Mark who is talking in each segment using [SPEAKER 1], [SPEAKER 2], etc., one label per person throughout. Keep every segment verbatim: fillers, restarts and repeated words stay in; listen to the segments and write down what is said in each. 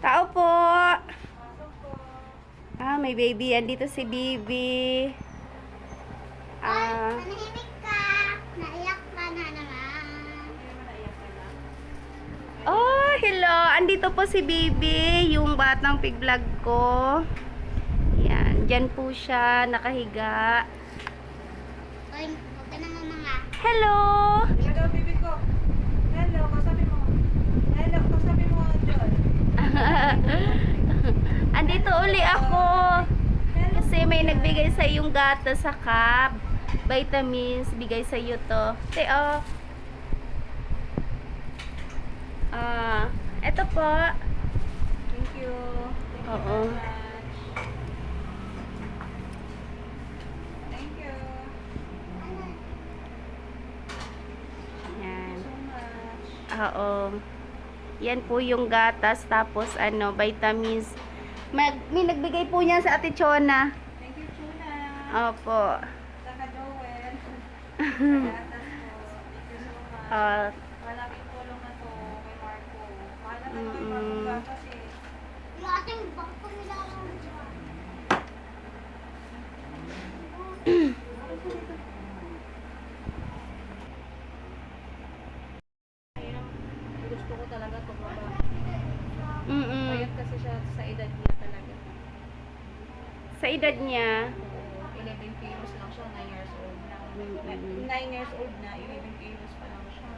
[SPEAKER 1] Tao po. Ah, may baby. Andito si Bibi.
[SPEAKER 2] Ay,
[SPEAKER 1] Ah,
[SPEAKER 2] manahimik ka. Naiyak ka na naman.
[SPEAKER 1] oh, hello. Andito po si Bibi, yung batang pig vlog ko. Yan, diyan po siya nakahiga.
[SPEAKER 2] Ay, huwag ka na mga.
[SPEAKER 1] Hello.
[SPEAKER 3] Hello, bibi ko. Hello, kasabi mo. Hello, kasabi mo, John.
[SPEAKER 1] Andito uli ako. Kasi may nagbigay sa yung gatas sa cup. Vitamins, bigay sa iyo to. Teo. Ah, eto po.
[SPEAKER 3] Thank you. Thank you
[SPEAKER 1] Oo.
[SPEAKER 3] very much. Thank you.
[SPEAKER 1] Yan.
[SPEAKER 3] So much.
[SPEAKER 1] Oo. Yan po yung gatas, tapos ano, vitamins. Mag, may nagbigay po niya sa Ate Chona.
[SPEAKER 3] Thank you, Chuna.
[SPEAKER 1] Opo.
[SPEAKER 3] Saka Joel. Gatas po. Thank you so much.
[SPEAKER 1] Ah,
[SPEAKER 3] Malaking tulong na to kay Marco. Mahal na tayo kay
[SPEAKER 1] Mm-mm.
[SPEAKER 3] Marco gatas eh.
[SPEAKER 2] Yung ating bangko nila lang dyan.
[SPEAKER 3] Gusto ko talaga tumaba.
[SPEAKER 1] mm
[SPEAKER 3] Payat kasi siya sa edad niya talaga.
[SPEAKER 1] Sa edad niya.
[SPEAKER 3] eleven kilos lang siya, nine years old na.
[SPEAKER 1] Mm-mm.
[SPEAKER 3] nine years old na, eleven kilos pa lang siya.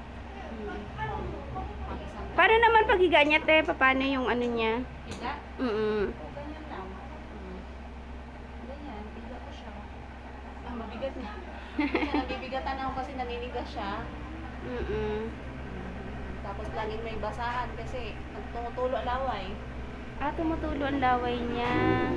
[SPEAKER 3] Ang isang
[SPEAKER 1] Para naman paghiga niya, te, paano yung ano niya?
[SPEAKER 3] higa,
[SPEAKER 1] Mm-mm.
[SPEAKER 3] o ganyan lang. Mm. Ganyan, higa ko siya. Ah, mabigat na. Kasi nabibigatan ako kasi naninigas siya.
[SPEAKER 1] Mm-mm.
[SPEAKER 3] Tapos laging may basahan kasi nagtumutulo laway.
[SPEAKER 1] Ah, tumutulo ang laway niya.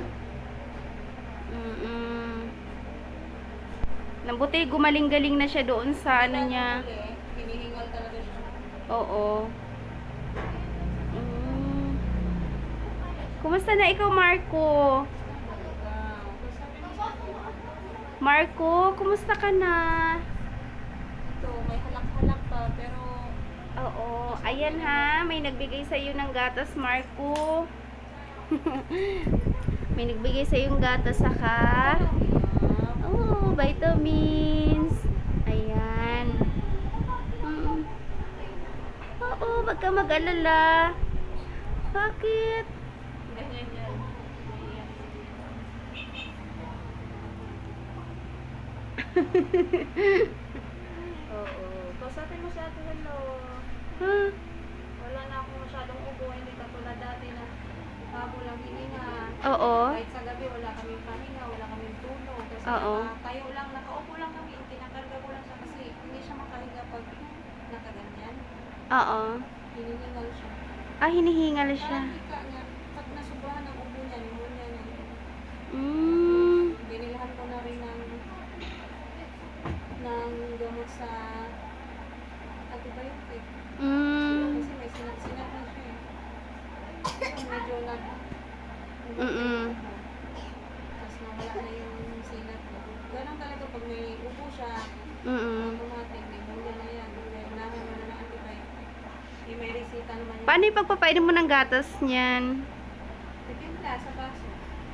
[SPEAKER 1] Mm-mm. Nabuti, gumaling-galing na siya doon sa ano niya.
[SPEAKER 3] Huli, hinihingal talaga siya.
[SPEAKER 1] Oo. Mm. Kumusta na ikaw, Marco?
[SPEAKER 3] Wow. Sabi mo sa akin,
[SPEAKER 1] Marco, kumusta ka na?
[SPEAKER 3] ito, may halak-halak pa pero
[SPEAKER 1] Oo. Ayan ha, may nagbigay sa iyo ng gatas, Marco. May nagbigay sa iyo ng gatas saka oh, vitamins. Ayan. Mm. Oo, wag ka mag-alala. Bakit?
[SPEAKER 3] ganyan yan. Ganyan. Oo. Kausapin mo si ate, hello.
[SPEAKER 1] Ha?
[SPEAKER 3] Wala na akong masyadong ubo, hindi katulad dati na habo lang hininga.
[SPEAKER 1] Oo.
[SPEAKER 3] Kahit sa gabi wala kaming pahinga, wala kaming tulog. Kasi
[SPEAKER 1] Oo.
[SPEAKER 3] naka, tayo lang, nakaupo lang kami, tinakarga ko lang siya kasi hindi siya makahinga pag nakaganyan.
[SPEAKER 1] Oo.
[SPEAKER 3] Hinihingal siya.
[SPEAKER 1] Ah, hinihingal siya.
[SPEAKER 3] Parang hika niya, pag nasubrahan ng ubo niya, pneumonia niya.
[SPEAKER 1] Mm.
[SPEAKER 3] Binilahan ko na rin ng ng gamot sa antibiotic.
[SPEAKER 1] Mm.
[SPEAKER 3] Kasi may sinat-sinat na siya eh. Kasi medyo nag...
[SPEAKER 1] Mm-mm.
[SPEAKER 3] Tapos nawala na yung sinat niya. Ganun talaga pag may ubo siya,
[SPEAKER 1] Mm-mm.
[SPEAKER 3] automatic, may bunda na yan. Kaya kailangan mo na ng antibiotic. Eh, may resita naman yun.
[SPEAKER 1] Paano yung pagpapainom mo ng gatas niyan?
[SPEAKER 3] Titimpla sa baso.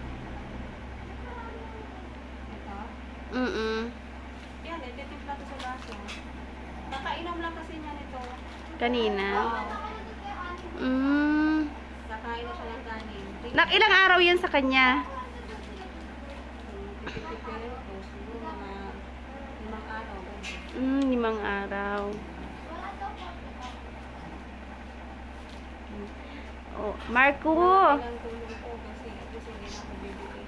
[SPEAKER 3] Ito.
[SPEAKER 1] Mm-mm.
[SPEAKER 3] Yan, eh, titimpla ko sa baso. Nakainom lang kasi niya nito.
[SPEAKER 1] Kanina.
[SPEAKER 3] Oo.
[SPEAKER 1] Mm.
[SPEAKER 3] Nakain na siya ng kanin.
[SPEAKER 1] Nak ilang araw yan sa kanya?
[SPEAKER 3] Pipipirin ko. Siguro mga limang araw. ganun.
[SPEAKER 1] Mm, limang araw. Oh, Marco.
[SPEAKER 3] Ilang tulong ko kasi kasi hindi na ako bibili.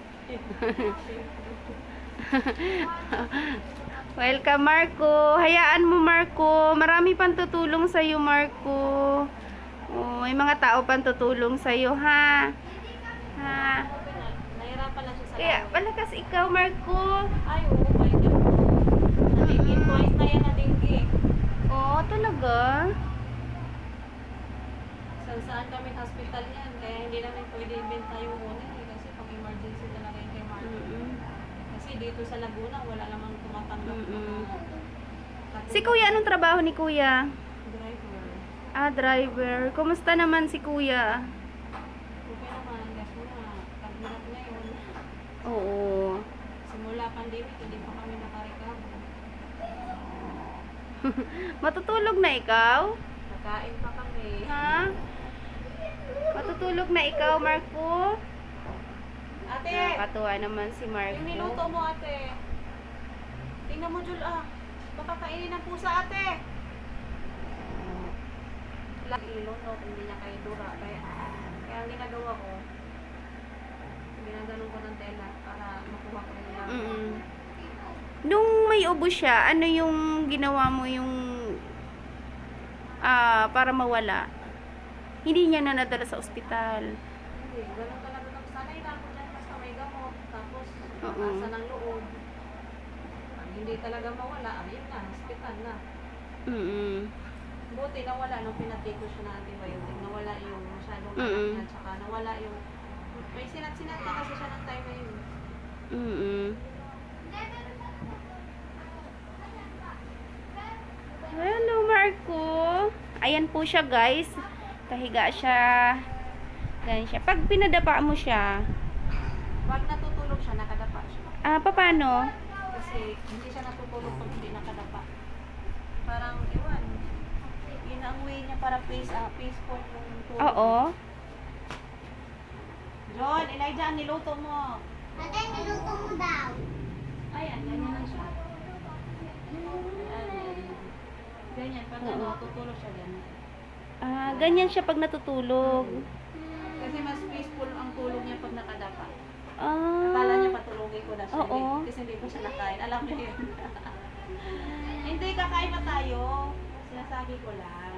[SPEAKER 1] Welcome, Marco. Hayaan mo, Marco. Marami pang tutulong sa'yo, Marco. Oh, may mga tao pang tutulong sa'yo, ha? Ha?
[SPEAKER 3] Nahirapan lang siya sa
[SPEAKER 1] Kaya,
[SPEAKER 3] laway.
[SPEAKER 1] palakas ikaw, Marco.
[SPEAKER 3] Ay, oo, may ganun. Nalingin twice na yan na dengue.
[SPEAKER 1] Oh, talaga?
[SPEAKER 3] Saan saan kami hospital yan. Kaya hindi namin pwede ibenta yung una eh. Kasi pang emergency talaga yung kay Marco.
[SPEAKER 1] Mm-mm.
[SPEAKER 3] Kasi dito sa Laguna, wala namang tumatanggap ng
[SPEAKER 1] Mm-mm.
[SPEAKER 3] mga
[SPEAKER 1] Si Kuya, anong trabaho ni Kuya?
[SPEAKER 3] driver.
[SPEAKER 1] Ah, driver. Kumusta naman si Kuya? Oo.
[SPEAKER 3] Simula pandemic, hindi pa kami nakarecover.
[SPEAKER 1] Matutulog na ikaw?
[SPEAKER 3] Nakain pa kami.
[SPEAKER 1] Ha? Matutulog na ikaw, Marco?
[SPEAKER 3] Ate!
[SPEAKER 1] Nakakatuwa naman si
[SPEAKER 3] Yung niluto
[SPEAKER 1] Marco.
[SPEAKER 3] mo, ate. Tingnan mo, Jul, ah. Baka kainin ng pusa, ate. Lagi ilunok, hindi niya kayo dura. Kaya, kaya ang ginagawa ko, ginaganon ko ng tela para makuha ko yung laman.
[SPEAKER 1] Mm-mm. Nung may ubo siya, ano yung ginawa mo yung ah para mawala? Hindi niya na nadala sa ospital.
[SPEAKER 3] Hindi, ganun talaga. Sanay na ako dyan basta may gamot. Tapos,
[SPEAKER 1] Oo.
[SPEAKER 3] asa ng loob. Pag hindi talaga mawala, ayun na, hospital na.
[SPEAKER 1] Mm-mm.
[SPEAKER 3] Buti nawala nung pinatake ko siya ng antibiotic. Nawala yung masyadong
[SPEAKER 1] Mm-mm.
[SPEAKER 3] anak niya. Tsaka nawala yung... May sinat-sinat na kasi siya ng time na yun.
[SPEAKER 1] Mm-mm. Hello, Marco. Ayan po siya, guys. Kahiga siya. Ganyan siya. Pag pinadapa mo siya,
[SPEAKER 3] Pag natutulog siya, nakadapa siya.
[SPEAKER 1] ah, paano?
[SPEAKER 3] Kasi hindi siya natutulog pag hindi nakadapa. Parang, iwan. Yun ang way niya para peace, ah, peaceful yung tulog.
[SPEAKER 1] Oo.
[SPEAKER 3] John, Elijah, ang niluto mo.
[SPEAKER 2] Ate, niluto mo daw.
[SPEAKER 3] Ayan, ganyan lang siya. Ayan. Ganyan, pag
[SPEAKER 1] Oo.
[SPEAKER 3] ano, tutulog siya ganyan.
[SPEAKER 1] Ah, ganyan siya pag natutulog.
[SPEAKER 3] Kasi mas peaceful ang tulog niya pag nakadapa.
[SPEAKER 1] Ah.
[SPEAKER 3] Akala niya patulogin ko na siya.
[SPEAKER 1] Oo.
[SPEAKER 3] Hindi, kasi hindi ko siya nakain. Alam niyo yun. Hindi, kakain pa tayo. Sinasabi ko lang.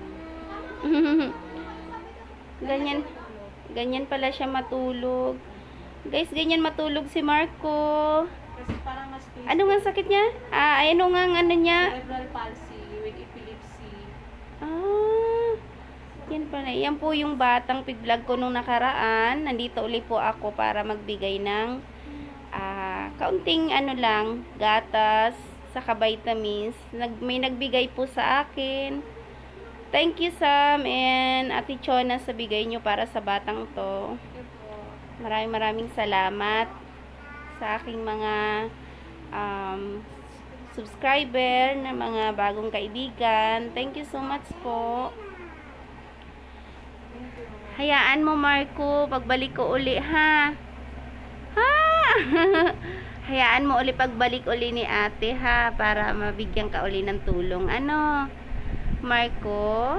[SPEAKER 1] ganyan, ganyan pala siya matulog. Guys, ganyan matulog si Marco.
[SPEAKER 3] Kasi parang mas peaceful.
[SPEAKER 1] Ano nga sakit niya? Ah, ano nga ang ano niya?
[SPEAKER 3] Cerebral palsy with epilepsy.
[SPEAKER 1] Ah, yan pala. Yan po yung batang pig-vlog ko nung nakaraan. Nandito uli po ako para magbigay ng ah, kaunting ano lang, gatas, saka vitamins. Nag, may nagbigay po sa akin. Thank you, Sam and Ate Chona sa bigay nyo para sa batang to.
[SPEAKER 3] Yun po.
[SPEAKER 1] Maraming maraming salamat sa aking mga um, subscriber na mga bagong kaibigan. Thank you so much po. Hayaan mo, Marco, pagbalik ko uli, ha? Ha? Hayaan mo uli pagbalik uli ni ate, ha? Para mabigyan ka uli ng tulong. Ano? Marco?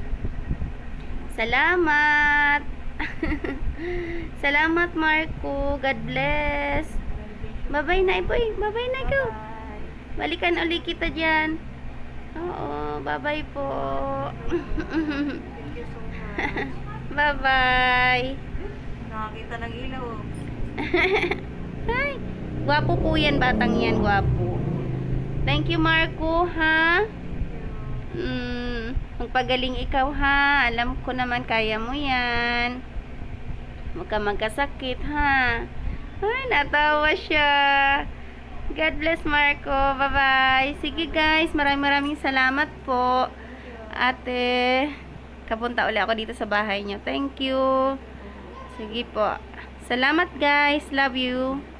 [SPEAKER 1] Salamat! Salamat, Marco. God bless. Bye-bye na, boy. Bye-bye na, go.
[SPEAKER 3] Bye.
[SPEAKER 1] Balikan uli kita dyan. Oo, bye-bye po.
[SPEAKER 3] Thank you so much.
[SPEAKER 1] Bye-bye.
[SPEAKER 3] Nakakita ng ilaw.
[SPEAKER 1] Hi. Gwapo po yan, batang yan. Gwapo. Thank you, Marco, ha? Mm, magpagaling ikaw, ha? Alam ko naman, kaya mo yan. Huwag ka magkasakit, ha? Ay, natawa siya. God bless, Marco. Bye-bye. Sige, guys. Maraming maraming salamat po. Ate, kapunta ulit ako dito sa bahay niyo. Thank you. Sige po. Salamat, guys. Love you.